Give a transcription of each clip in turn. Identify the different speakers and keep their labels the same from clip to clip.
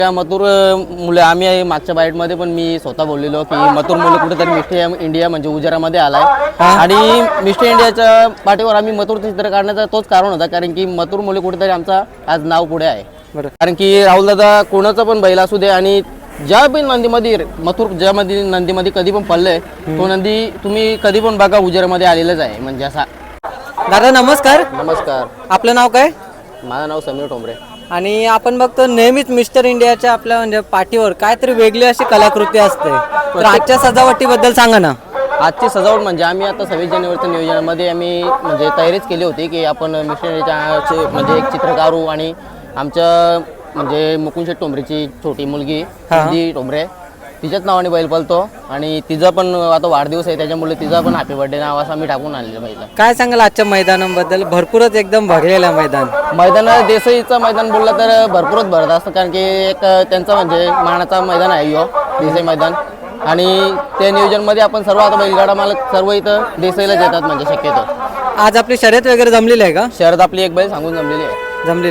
Speaker 1: मथुर मुले आम्ही मागच्या बाईटमध्ये पण मी स्वतः बोललेलो की मथुर मुले कुठेतरी मिस्टर इंडिया म्हणजे उजारामध्ये आलाय आणि मिस्टर इंडियाच्या पाठीवर आम्ही मथुरचं चित्र काढण्याचा तोच कारण होता, कारण की मथुर मुले कुठेतरी आमचा आज नाव पुढे आहे. कारण की राहुल दादा कोणाचा पण बैल असू दे आणि ज्या पण नंदीमध्ये मथुर ज्यामध्ये नंदीमध्ये कधी पण पडले तो नंदी तुम्ही कधी पण बघा उजारामध्ये आलेलाच आहे. म्हणजे असा.
Speaker 2: दादा नमस्कार.
Speaker 1: नमस्कार.
Speaker 2: आपलं नाव काय?
Speaker 1: माझं नाव समीर ठोंबरे.
Speaker 2: आणि आपण बघतो नेहमीच मिस्टर इंडियाच्या आपल्या म्हणजे पाठीवर काहीतरी वेगळी अशी कलाकृती असते, तर आजच्या सजावटीबद्दल सांगा ना.
Speaker 1: आजची सजावट म्हणजे आम्ही आता 26 जानेवारीच्या नियोजनामध्ये आम्ही म्हणजे तयारीच केली होती की आपण मिस्टर इंडियाच्या म्हणजे एक चित्र काढू आणि आमच्या म्हणजे मुकुंद शेठ ठोंबरेची छोटी मुलगी ती ठोंबरे तिच्याच नावाने बैल पळतो आणि तिचा पण आता वाढदिवस आहे, त्याच्यामुळे तिचा पण हॅपी बर्थडे नाव असं आम्ही टाकून आणलेलं बैल.
Speaker 2: काय सांगाल आजच्या मैदानाबद्दल? भरपूरच एकदम भरलेलं
Speaker 1: मैदान देसाईचं मैदान बोललं तर भरपूरच भरत असतं, कारण की एक त्यांचा म्हणजे मानाचा मैदान आहे यो देसाई मैदान आणि त्या नियोजनमध्ये आपण सर्व आता बैलगाडा मालक सर्व इथं देसाईलाच येतात म्हणजे शक्यतो.
Speaker 2: आज आपली शर्यत वगैरे जमलेली आहे का?
Speaker 1: शर्यत आपली एक बैल सांगून जमलेली आहे.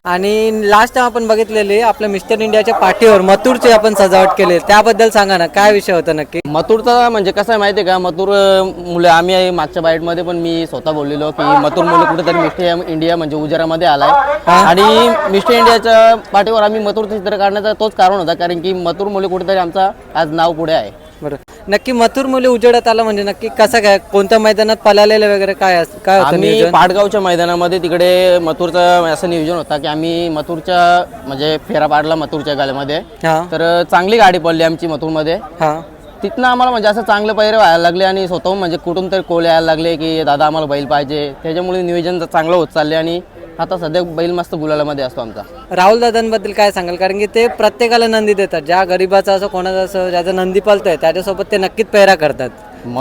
Speaker 2: आणि लास्ट टाइम आपण बघितलेले आपल्या मिस्टर इंडियाच्या पाठीवर मथुरची आपण सजावट केली, त्याबद्दल सांगा ना, काय विषय होता नक्की?
Speaker 1: मथुरचा म्हणजे कसं आहे माहिती आहे का, मथुर मुले आम्ही मागच्या बाईटमध्ये पण मी स्वतः बोललेलो की मथुर मुले कुठेतरी मिस्टर इंडिया म्हणजे उजारामध्ये आलाय आणि मिस्टर इंडियाच्या पाठीवर आम्ही मथुरचं चित्र काढण्याचा तोच कारण होता, कारण की मथुर मुले कुठेतरी आमचा आज नाव पुढे आहे. बरं.
Speaker 2: नक्की मथुर मुले उजेडात आला म्हणजे नक्की कसं काय, कोणत्या मैदानात पळालेलं वगैरे काय काय
Speaker 1: आम्ही पाटगावच्या मैदानामध्ये तिकडे मथुरचं असं नियोजन होता की आम्ही मथुरच्या म्हणजे फेरा पाडला मथुरच्या गाल्यामध्ये, तर चांगली गाडी पडली आमची मथुरमध्ये. तिथनं आम्हाला म्हणजे असं चांगलं पैरे व्हायला लागले आणि स्वतःहून म्हणजे कुठून तरी कोल यायला लागले की दादा आम्हाला बैल पाहिजे, त्याच्यामुळे नियोजन चांगलं होत चालले आणि आता सध्या बैल मस्त गुलालामध्ये असतो आमचा.
Speaker 2: राहुल दादांबद्दल काय सांगाल? कारण की ते प्रत्येकाला नंदी देतात, ज्या गरीबाचा असो कोणाचा असो ज्याचा नंदी पळतोय त्याच्यासोबत ते नक्कीच पेरा करतात.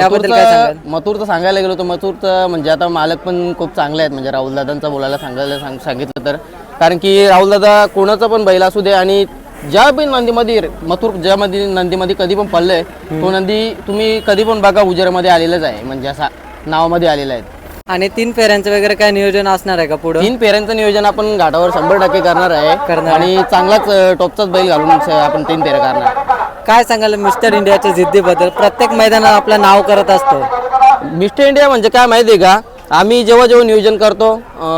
Speaker 1: मथुरचं सांगायला गेलो तर मथुरचं म्हणजे आता मालक पण खूप चांगले आहेत, म्हणजे राहुल दादांचा बोलायला सांगितलं तर, कारण की राहुल दादा कोणाचा पण बैल असू दे आणि ज्या पण नंदीमध्ये मथुर ज्यामध्ये नंदीमध्ये कधी पण पडले तो नंदी तुम्ही कधी पण बघा उजेरामध्ये आलेलाच आहे, म्हणजे असा नावामध्ये आलेला आहे.
Speaker 2: आणि 3 फेऱ्यांचं वगैरे काय नियोजन असणार आहे का पुढे?
Speaker 1: 3 फेऱ्यांचं नियोजन आपण घाटावर 100% करणार आहे आणि चांगलाच टॉपचाच बैल घालून आपण 3 फेऱ्या करणार.
Speaker 2: काय सांगाल मिस्टर इंडियाच्या जिद्दीबद्दल? प्रत्येक मैदानात आपलं नाव करत असतो.
Speaker 1: मिस्टर इंडिया म्हणजे काय माहिती आहे का, आम्ही जेव्हा नियोजन करतो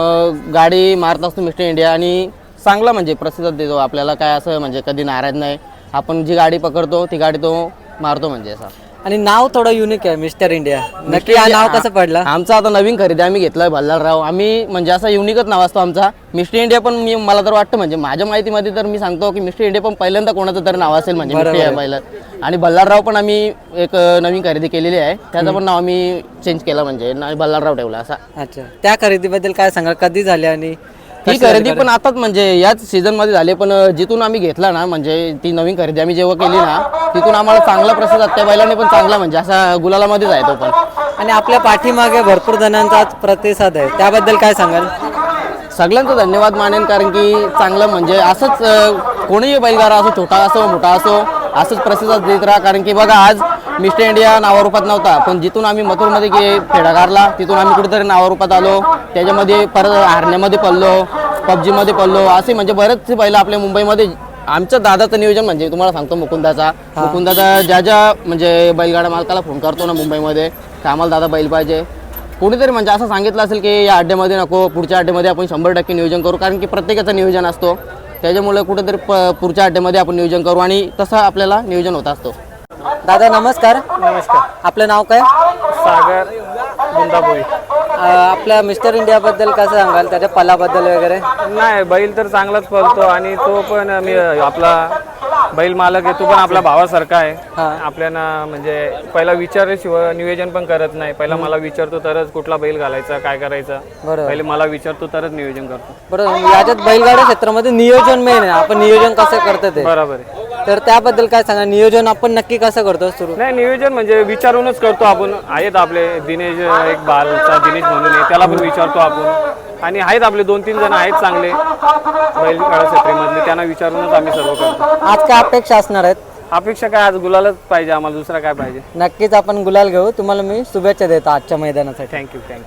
Speaker 1: गाडी मारत असतो मिस्टर इंडिया आणि चांगला म्हणजे प्रतिसाद देतो आपल्याला, काय असं म्हणजे कधी नाराज नाही. आपण जी गाडी पकडतो ती गाडी तो मारतो म्हणजे असं.
Speaker 2: आणि नाव थोडं युनिक आहे मिस्टर इंडिया, नक्की हा नाव कसं पडलं?
Speaker 1: आमचा आता नवीन खरेदी आम्ही घेतलाय भल्लालराव, आम्ही म्हणजे असा युनिकच नाव असतो आमचा मिस्टर इंडिया. पण मला तर वाटतं म्हणजे माझ्या माहितीमध्ये तर मी सांगतो की मिस्टर इंडिया पण पहिल्यांदा कोणाचं तरी नाव असेल म्हणजे मिस्टर इंडिया पहिलं. आणि भल्लालराव पण आम्ही एक नवीन खरेदी केलेली आहे, त्याचं पण नाव आम्ही चेंज केलं म्हणजे भल्लालराव ठेवला असा.
Speaker 2: अच्छा, त्या खरेदीबद्दल काय सांगाल? कधी झाली आणि
Speaker 1: ती खरेदी पण आताच म्हणजे याच सीझन मध्ये झाली, पण जिथून आम्ही घेतला ना म्हणजे ती नवीन खरेदी आम्ही जेव्हा केली ना तिथून आम्हाला चांगला प्रतिसाद त्या बैलाने पण चांगला म्हणजे असा गुलालामध्येच आहे तो पण.
Speaker 2: आणि आपल्या पाठीमागे भरपूर जणांचा प्रतिसाद आहे, त्याबद्दल काय सांगाल?
Speaker 1: सगळ्यांचा धन्यवाद मानेन, कारण की चांगलं म्हणजे असंच कोणीही बैलगाडा असो छोटा असो मोठा असो असंच प्रतिसाद देत राहा. कारण की बघा आज मिस्टर इंडिया नावारूपात नव्हता, पण जिथून आम्ही मथुरमध्ये फेडा काढला तिथून आम्ही कुठेतरी नावारूपात आलो, त्याच्यामध्ये परत हारण्यामध्ये पडलो, पबजीमध्ये पडलो, असे म्हणजे बरेचसे बैल आपल्या मुंबईमध्ये. आमच्या दादाचं नियोजन म्हणजे तुम्हाला सांगतो मुकुंदाचा ज्या म्हणजे बैलगाडा मालकाला फोन करतो ना मुंबईमध्ये की आम्हाला दादा बैल पाहिजे, कोणीतरी म्हणजे असं सांगितलं असेल की या अड्ड्यामध्ये नको, पुढच्या अड्ड्यामध्ये आपण 100% नियोजन करू, कारण की प्रत्येकाचं नियोजन असतो, त्याच्यामुळे कुठेतरी पुढच्या अड्ड्यामध्ये आपण नियोजन करू आणि तसं आपल्याला नियोजन होत असतो.
Speaker 2: दादा नमस्कार.
Speaker 3: नमस्कार.
Speaker 2: आपलं नाव काय?
Speaker 3: सागर बुंदाबोई.
Speaker 2: आपल्या मिस्टर इंडियाबद्दल कसं सांगाल, त्याच्या पलाबद्दल वगैरे?
Speaker 3: नाही, बैल तर चांगलाच पळतो आणि तो पण मी आपला बैल मालक आहे, तो पण आपल्या भावासारखा आहे. आपल्याला म्हणजे पहिला विचारल्याशिवाय नियोजन पण करत नाही, पहिला मला विचारतो तरच कुठला बैल घालायचा काय करायचा, पहिले मला विचारतो तरच नियोजन करतो.
Speaker 2: बरोबर. याच्यात बैलगाडा क्षेत्रामध्ये नियोजन मेन आहे, आपण नियोजन कसं करतो ते.
Speaker 3: बरोबर आहे.
Speaker 2: तर त्याबद्दल काय सांगा, नियोजन आपण नक्की कसं करतो सुरू?
Speaker 3: नाही, नियोजन म्हणजे विचारूनच करतो आपण. आहेत आपले दिनेश, एक बालचा दिनेश म्हणून आहे, त्याला पण विचारतो आपण. आणि आहेत आपले 2-3 जण आहेत चांगले बैलगाडा क्षेत्रामधले, त्यांना विचारूनच आम्ही सर्व करतो.
Speaker 2: आज काय अपेक्षा असणार आहेत?
Speaker 3: अपेक्षा काय, आज गुलालच पाहिजे आम्हाला, दुसरा काय पाहिजे.
Speaker 2: नक्कीच आपण गुलाल घेऊ. तुम्हाला मी शुभेच्छा देतो आजच्या मैदानासाठी.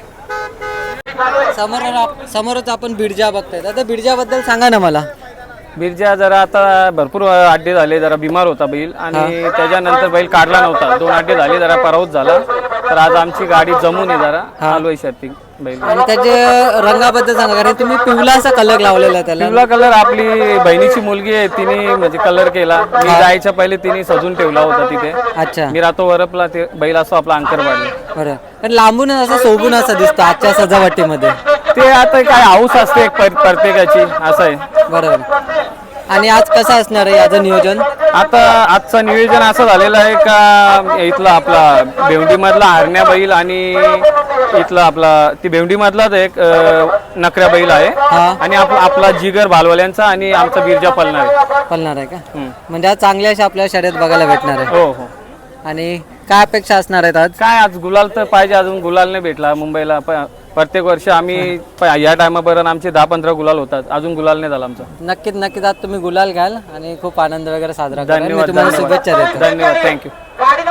Speaker 3: थँक्यू.
Speaker 2: समोरच आपण बिडजा बघताय. दादा बिडजाबद्दल सांगा ना मला.
Speaker 3: बिरजा जरा आता भरपूर अड्डे झाले, जरा बिमार होता बैल आणि त्याच्यानंतर बैल काढला नव्हता, 2 अड्डे झाले, जरा पराभूत झाला. तर आज आमची गाडी जमून आहे, जरा आलोय शर्ती बैल.
Speaker 2: आणि त्याचे रंगाबद्दल सांगा, कारण तुम्ही पिवळा असा कलर लावलेला आहे त्याला.
Speaker 3: पिवळा कलर आपली बहिणीची मुलगी आहे, तिने म्हणजे कलर केला. मी जायच्या पहिले तिने सजून ठेवला होता तिथे.
Speaker 2: अच्छा,
Speaker 3: मी राहतो वरपला, ते बैल असो आपला अंकर पाडला.
Speaker 2: बरं. पण लांबून असं शोभून असं दिसतं आजच्या सजावटीमध्ये.
Speaker 3: ते आता काय हाऊस असते एक प्रत्येकाची, असं आहे.
Speaker 2: बरोबर. आणि आज कसं असणार आहे याचं नियोजन?
Speaker 3: आता आजचं नियोजन असं झालेलं आहे का इथला आपला भेवंडी मधला हरण्या बैल आणि इथला आपला ती भेवंडी मधलाच एक नकऱ्या बैल आहे आणि आपला जिगर भालवाल्यांचा आणि आमचा बिरजा
Speaker 2: पळणार आहे का? म्हणजे आज चांगली अशी आपल्याला शर्यत बघायला भेटणार आहे.
Speaker 3: हो हो.
Speaker 2: आणि काय अपेक्षा असणार आहेत आज?
Speaker 3: काय आज गुलाल तर पाहिजे, अजून गुलाल नाही भेटला मुंबईला. प्रत्येक वर्षी आम्ही या टायमापर्यंत आमचे 10-15 गुलाल होतात, अजून गुलाल नाही झाला आमचा.
Speaker 2: नक्कीच नक्कीच आज तुम्ही गुलाल घ्याल आणि खूप आनंद वगैरे साजरा करा. मी
Speaker 3: धन्यवाद
Speaker 2: तुम्हाला शुभेच्छा देतो.
Speaker 3: धन्यवाद, थँक्यू.